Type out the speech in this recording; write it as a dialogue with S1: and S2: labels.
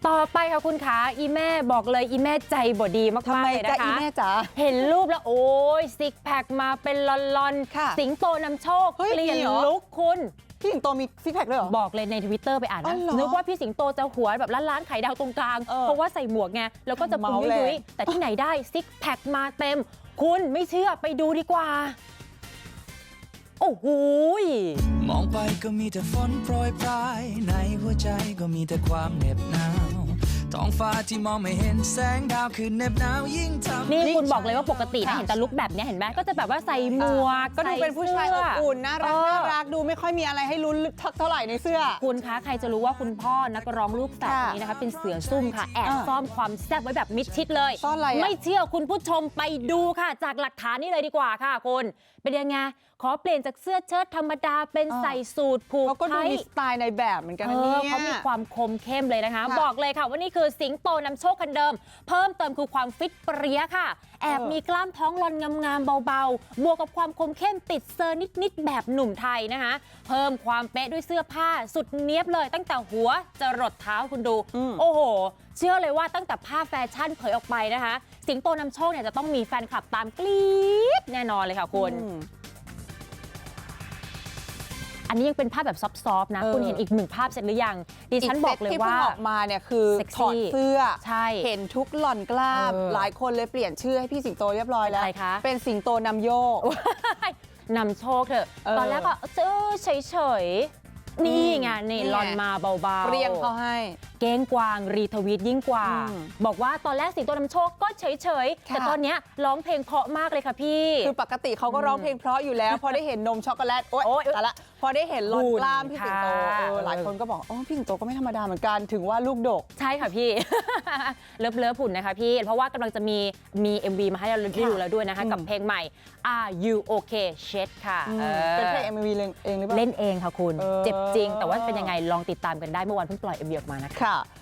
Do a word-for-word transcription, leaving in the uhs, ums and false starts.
S1: ต่อไปค่ะคุณขาอีแม่บอกเลยอีแม่ใจบ่ดีมากๆเลยนะคะ
S2: ทำไมจ๊ะอีแม่จ๋า
S1: เห็นรูปแล้วโอ้ยซิกแพคมาเป็นลอน
S2: ค่ะ
S1: ๆสิงโตนำโชค
S2: เฮ้ย
S1: เปลี่ยน
S2: มีเหรอ
S1: ลุคคุณ
S2: พี่สิงโตมีซิกแพคด้วยเหรอ
S1: บอกเลยในทวิตเตอร์ไปอ่าน
S2: อ๋
S1: นะ
S2: อเหรอ
S1: นึกว่าพี่สิงโตจะหัวแบบล้านๆไข่ดาวตรงกลาง
S2: เออ
S1: เพราะว่าใส่หมวกไงแล้วก็จะพุง
S2: เมาแหละ
S1: ยุ้ยๆแต่ที่ไหนได้ซิกแพคมาเต็ม คุณไม่เชื่อไปดูดีกว่า โอ้โห
S3: มองไปก็มีแต่ฝนโปรยปลายในหัวใจก็มีแต่ความเหน็บหนาวท้องฟ้าที่มองไม่เห็นแสงดาวคือเหน็บหนาวยิ่งทำ
S1: นี่คุณบอกเลยว่าปกตินะเห็นแต่ลุคแบบเนี้ยเห็นไหมก็จะแบบว่าใส่หมวก
S2: ก็ดูเป็นผู้ชายอบอุ่นน่ารัก
S1: เออ
S2: น่ารักดูไม่ค่อยมีอะไรให้ลุ้นเท่าไหร่ในเสื้อ
S1: คุณคะใครจะรู้ว่าคุณพ่อนักร้องลูกแฝดคนนี้นะคะเป็นเสือซุ่มค่ะ แอบ
S2: อ่า
S1: ซ่อนความแซ่บไว้แบบมิดชิดเลย
S2: ซ่อนอะไรอะ
S1: ไม่เชื่อคุณผู้ชมไปดูค่ะ จากหลักฐานนี้เลยดีกว่าค่ะคุณเป็นยังไงขอเปลี่ยนจากเสื้อเชิ้ตธรรมดาเป็นใส่สูทผูก
S2: เขาก็ดู
S1: ไทย
S2: มีสไตล์ในแบบเหมือนกัน
S1: เอ
S2: นะ
S1: อ
S2: เนี่ย
S1: เขามีความคมเข้มเลยนะคะ
S2: ค่ะ
S1: บอกเลยค่ะว่านี่คือสิงโตนำโชคคันเดิม เพิ่มเติมคือความฟิตเปรี้ยค่ะ แอบ
S2: เออ
S1: มีกล้ามท้องลอนงามๆเบาๆ บวกกับความคมเข้มติดเซอร์นิดๆแบบหนุ่มไทยนะคะ เพิ่มความเป๊ะด้วยเสื้อผ้าสุดเนี้ยบเลยตั้งแต่หัวจะรดเท้าคุณดู โอ้โห เชื่อเลยว่าตั้งแต่ภาพแฟชั่นเผยออกไปนะคะ สิงโตนำโชคเนี่ยจะต้องมีแฟนคลับตามกรี๊ดแน่นอนเลยค่ะคุณ
S2: อืม
S1: อันนี้ยังเป็นภาพแบบซอฟต์ๆนะ
S2: เออ
S1: คุณเห็นอีกหนึ่งภาพเสร็จหรือยัง ดิฉันบอกเลยว่า
S2: ที่พิ่งออกมาเนี่ยคือ
S1: เซ็กซี่
S2: ถอดเสื้อ
S1: ใช่
S2: เห็นทุกหล่อนกล้าม
S1: เออ
S2: หลายคนเลยเปลี่ยนชื่อให้พี่สิงโตเรียบร้อยแล้ว
S1: เป็นอะไรคะ
S2: เป็นสิงโตนำโยก
S1: นำโชคเถอะ
S2: เออ
S1: ตอนแรกก็เออเฉยๆ นี่ไงนี่
S2: นี่ไง
S1: ลอนมาเบาๆ
S2: เปรี้ยงเขาให้
S1: เก้งกวางรีทวีตยิ่งกว่า
S2: อืม
S1: บอกว่าตอนแรกสิงโตนำโชคก็เฉยๆ
S2: ค่ะ
S1: แต่ตอนเนี้ยร้องเพลงเพราะมากเลยค่ะพี่
S2: คือปกติเขาก็ร้องเพลงเพราะอยู่แล้ว พอได้เห็นนมช็อกโกแลตโอ๊ย
S1: โอ๊ย
S2: แต่ละพอได้เห็นลอนกล้ามพี่สิงโต
S1: ค่ะ
S2: เออหลายคนก็บอกอ๋อพี่สิงโตก็ไม่ธรรมดาเหมือนกันถึงว่าลูกดก
S1: ใช่ค่ะพี่ เลิฟเลิฟหุ่นนะคะพี่ เพราะว่ากำลังจะมีมี เอ็ม วี มาให้เราได้ดูแล้วด้วยนะคะ
S2: อืม
S1: กับเพลงใหม่ Are You Okay Shit ค่ะ
S2: อืม
S1: ออ
S2: เป็นเพลงเอ็มวีเองหรือเปล่า
S1: เล่นเองค่ะคุณ
S2: เออ
S1: เจ็บจริง แต่ว่าเป็นยังไงลองติดตามกันได้เมื่อวานเพิ่งปล่อย เอ็ม วี ออกมานะคะ
S2: ค่ะ